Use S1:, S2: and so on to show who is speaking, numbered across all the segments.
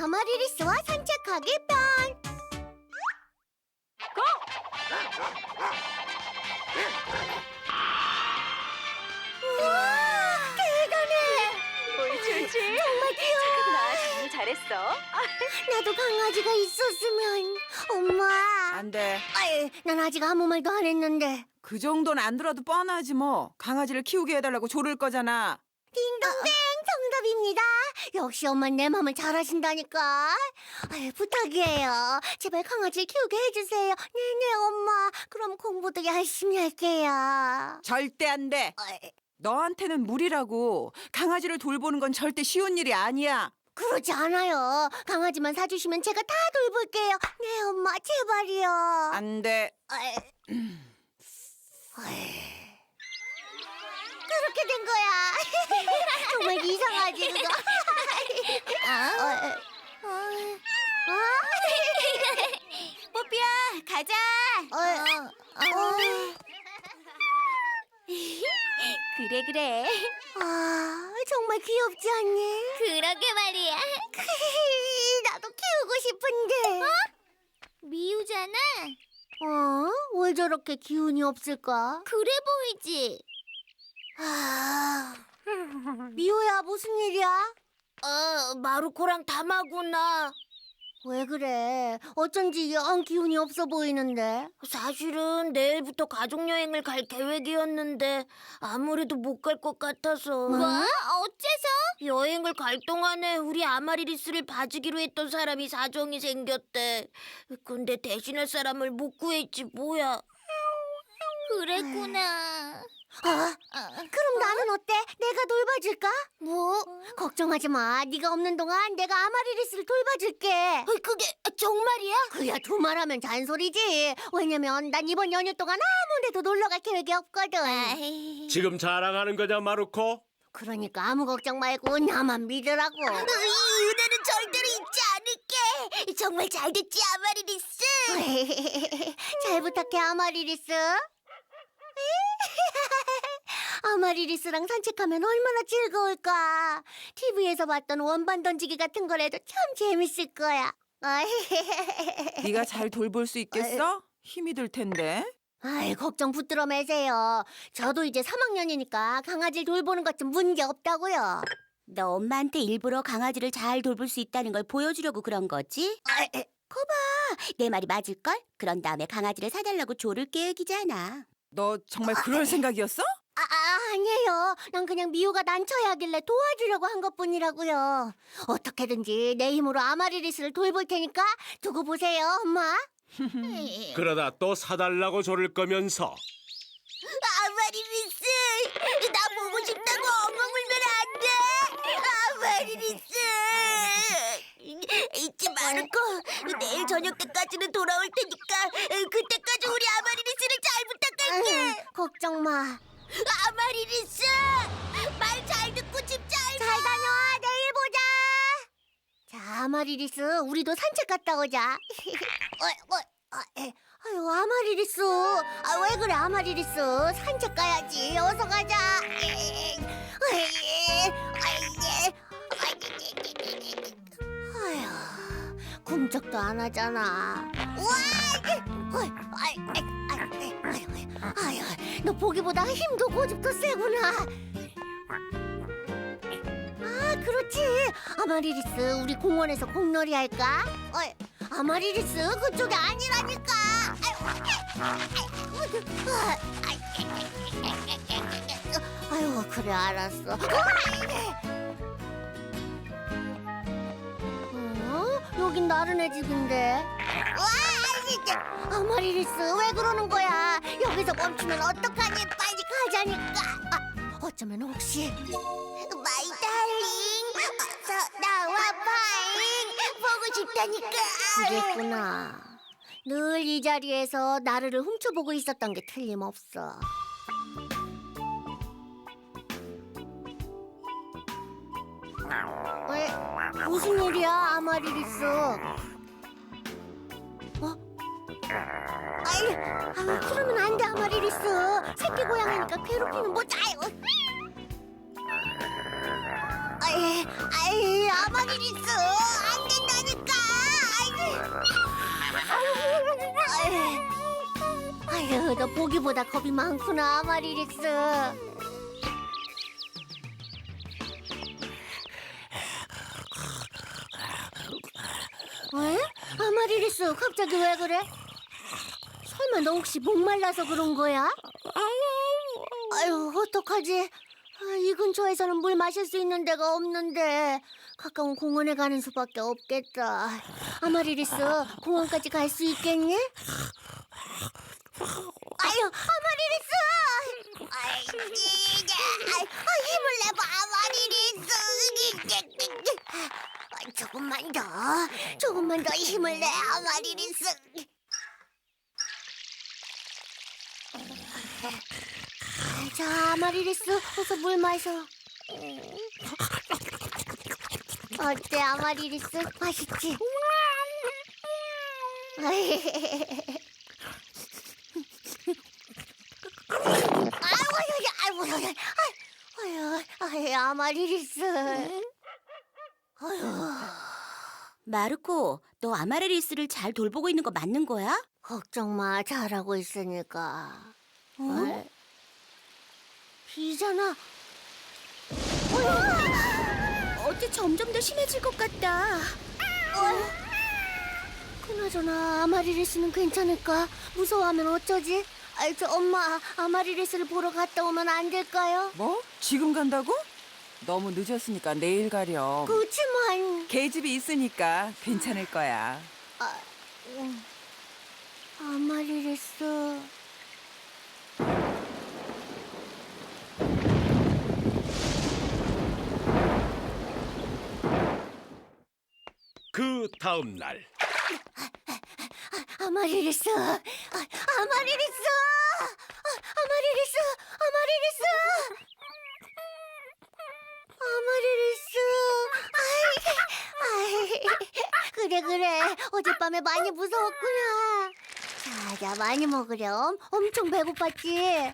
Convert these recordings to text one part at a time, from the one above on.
S1: 아마리리스와 산책하기 편. 우와, 대단해.
S2: 옳지.
S1: 정말 귀여워.
S2: 나 정말 잘했어.
S1: 나도 강아지가 있었으면. 엄마.
S3: 안 돼.
S1: 아이, 난 아직 아무 말도 안 했는데.
S3: 그 정도는 안 들어도 뻔하지 뭐. 강아지를 키우게 해달라고 조를 거잖아.
S1: 딩동댕, 정답입니다. 역시 엄마는 내 맘을 잘 아신다니까. 아유, 부탁이에요. 제발 강아지를 키우게 해주세요. 네네, 엄마. 그럼 공부도 열심히 할게요.
S3: 절대 안 돼.
S1: 아이,
S3: 너한테는 무리라고. 강아지를 돌보는 건 절대 쉬운 일이 아니야.
S1: 그러지 않아요. 강아지만 사주시면 제가 다 돌볼게요. 네, 엄마, 제발이요.
S3: 안 돼.
S1: 아이, 아이. 그렇게 된 거야. 정말 이상하지, 그거?
S2: 뽀삐야, 가자. 그래.
S1: 정말 귀엽지 않니?
S2: 그러게 말이야.
S1: 나도 키우고 싶은데.
S2: 미우잖아.
S1: 왜 저렇게 기운이 없을까?
S2: 그래 보이지.
S1: 미호야, 무슨 일이야?
S2: 마루코랑 담하구나.
S1: 왜 그래? 어쩐지 영 기운이 없어 보이는데.
S2: 사실은 내일부터 가족여행을 갈 계획이었는데 아무래도 못 갈 것 같아서.
S1: 뭐?
S2: 어째서? 여행을 갈 동안에 우리 아마리리스를 봐주기로 했던 사람이 사정이 생겼대. 근데 대신할 사람을 못 구했지 뭐야. 그랬구나.
S1: 그럼 나는 어때? 내가 돌봐줄까?
S2: 뭐?
S1: 걱정하지 마. 네가 없는 동안 내가 아마리리스를 돌봐줄게.
S2: 그게 정말이야?
S1: 그야 두말하면 잔소리지. 왜냐면 난 이번 연휴 동안 아무 데도 놀러 갈 계획이 없거든.
S4: 지금 자랑하는 거냐, 마루코?
S1: 그러니까 아무 걱정 말고 나만 믿으라고.
S2: 이 은혜는 절대로 잊지 않을게. 정말 잘 됐지, 아마리리스.
S1: 잘 부탁해, 아마리리스. 아마리리스랑 산책하면 얼마나 즐거울까. TV에서 봤던 원반 던지기 같은 거라도 참 재밌을 거야.
S3: 네가 잘 돌볼 수 있겠어? 힘이 들 텐데.
S1: 아이, 걱정 붙들어 매세요. 저도 이제 3학년이니까 강아지를 돌보는 것 좀 문제 없다고요.
S5: 너 엄마한테 일부러 강아지를 잘 돌볼 수 있다는 걸 보여주려고 그런 거지? 거봐, 내 말이 맞을걸? 그런 다음에 강아지를 사달라고 조를 계획이잖아.
S3: 너 정말 그럴 생각이었어?
S1: 아니에요. 난 그냥 미호가 난처해 하길래 도와주려고 한 것뿐이라고요. 어떻게든지 내 힘으로 아마리리스를 돌볼 테니까 두고 보세요, 엄마.
S4: 그러다 또 사달라고 조를 거면서
S2: 아마리리스, 나 보고 싶다고 엉엉 울면 안 돼. 아마리리스. 잊지 말고 내일 저녁 때까지는 돌아올 테니까 그때까지 우리 아마리리스를 잘 부탁할게.
S1: 걱정 마.
S2: 아마리리스, 말 잘 듣고 집 잘
S1: 잘 다녀와. 내일 보자. 자, 아마리리스, 우리도 산책 갔다 오자. 아유, 아마리리스. 왜 그래, 아마리리스. 산책 가야지. 어서 가자. 아휴, 꿈쩍도 안 하잖아. 아휴, 너 보기보다 힘도 고집도 세구나. 그렇지. 아마리리스, 우리 공원에서 공놀이 할까? 아마리리스, 그쪽이 아니라니까. 아유, 그래, 알았어. 여긴 나른해 집인데. 아마리리스, 왜 그러는 거야? 여기서 멈추면 어떡하니? 빨리 가자니까. 어쩌면 혹시
S2: 마이 달링, 어서 나와 파잉. 보고 싶다니까.
S1: 그랬구나. 늘 이 자리에서 나르를 훔쳐보고 있었던 게 틀림없어. 왜? 무슨 일이야, 아마리리스? 그러면 안 돼, 아마리리스. 새끼 고양이니까 괴롭히면 뭐지? 아마리리스, 안 된다니까. 아유, 너 보기보다 겁이 많구나, 아마리리스. 왜? 아마리리스, 갑자기 왜 그래? 설마 너 혹시 목말라서 그런 거야? 아유, 어떡하지? 이 근처에서는 물 마실 수 있는 데가 없는데 가까운 공원에 가는 수밖에 없겠다. 아마리리스, 공원까지 갈 수 있겠니? 아유, 아마리리스! 힘을 내봐, 아마리리스! 조금만 더 힘을 내, 아마리리스! 자, 아마리리스, 어서 물 마셔. 어때, 아마리리스? 맛있지? 아유, 아마리리스.
S5: 마르코, 너 아마레리스를 잘 돌보고 있는 거 맞는 거야?
S1: 걱정 마, 잘하고 있으니까. 비잖아.
S5: 어째 점점 더 심해질 것 같다.
S1: 그나저나 아마리리스는 괜찮을까? 무서워하면 어쩌지? 엄마, 아마리리스를 보러 갔다 오면 안 될까요?
S3: 뭐? 지금 간다고? 너무 늦었으니까 내일 가렴.
S1: 그렇지만
S3: 계집이 있으니까 괜찮을 거야.
S1: 아마리리스.
S4: 그 다음 날
S1: 아마리리스. 아마리리스. 아마리리스. 그래. 어젯밤에 많이 무서웠구나. 자, 많이 먹으렴. 엄청 배고팠지?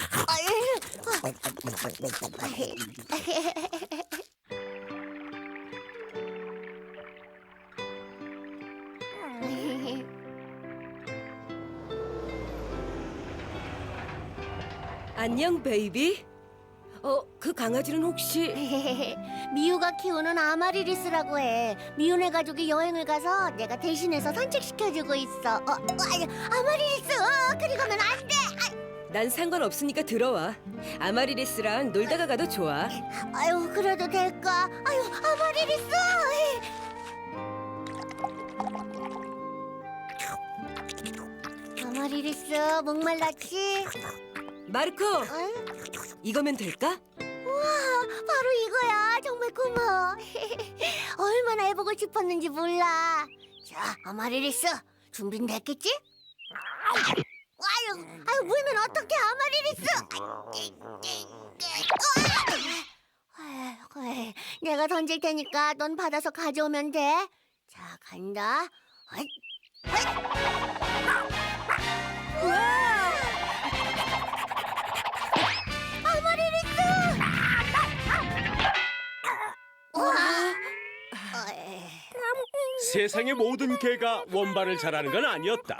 S6: 안녕, 베이비. 그 강아지는 혹시...
S1: 미우가 키우는 아마리리스라고 해. 미우네 가족이 여행을 가서 내가 대신해서 산책시켜주고 있어. 아마리리스, 그리 가면 안 돼.
S6: 난 상관없으니까 들어와. 아마리리스랑 놀다가 가도 좋아.
S1: 아유, 그래도 될까? 아유, 아마리리스. 아마리리스, 목말랐지?
S6: 마르코,
S1: 응?
S6: 이거면 될까?
S1: 바로 이거야. 정말 고마워. 얼마나 해보고 싶었는지 몰라. 자, 아마리리스, 준비는 됐겠지? 아유, 물면 어떡해, 아마리리스. 아유, 내가 던질 테니까 넌 받아서 가져오면 돼. 자, 간다. 우와! 아마리리스! 우와!
S4: 세상의 모든 개가 원반을 잘하는 건 아니었다.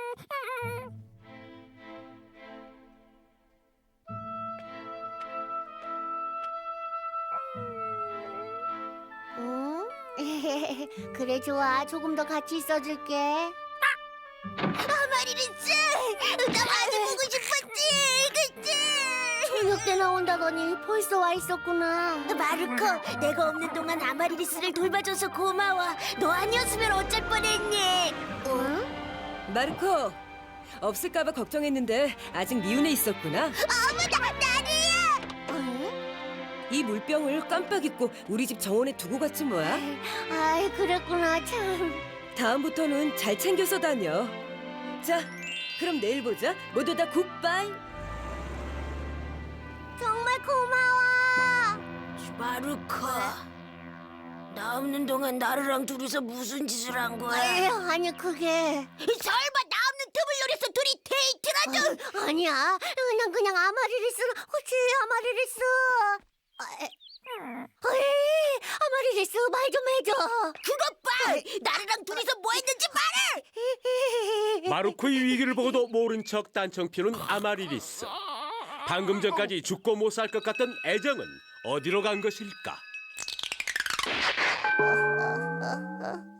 S1: 응? 그래, 좋아. 조금 더 같이 있어줄게. 아마리리스! 나 많이 보고 싶었지! 그치? 저녁 때 나온다더니 벌써 와 있었구나.
S2: 마르코, 내가 없는 동안 아마리리스를 돌봐줘서 고마워. 너 아니었으면 어쩔 뻔했니?
S1: 응?
S6: 마르코, 없을까봐 걱정했는데 아직 미운에 있었구나.
S1: 응?
S6: 이 물병을 깜빡 잊고 우리 집 정원에 두고 갔지 뭐야.
S1: 아이, 그랬구나, 참.
S6: 다음부터는 잘 챙겨서 다녀. 자, 그럼 내일 보자. 모두 다 굿바이.
S1: 정말 고마워.
S2: 마르코, 나 없는 동안 나르랑 둘이서 무슨 짓을 한 거야?
S1: 아니, 그게.
S2: 설마 나 없는 틈을 노려서 둘이 데이트라도?
S1: 아니야. 난 그냥 아마리리스. 그치, 아마리리스. 아마리리스 말 좀 해줘.
S2: 그것 봐! 나르랑 둘이서 뭐 했는지 말해!
S4: 마루코의 위기를 보고도 모른 척 딴청 피우는 아마리리스. 방금 전까지 죽고 못 살 것 같던 애정은 어디로 간 것일까?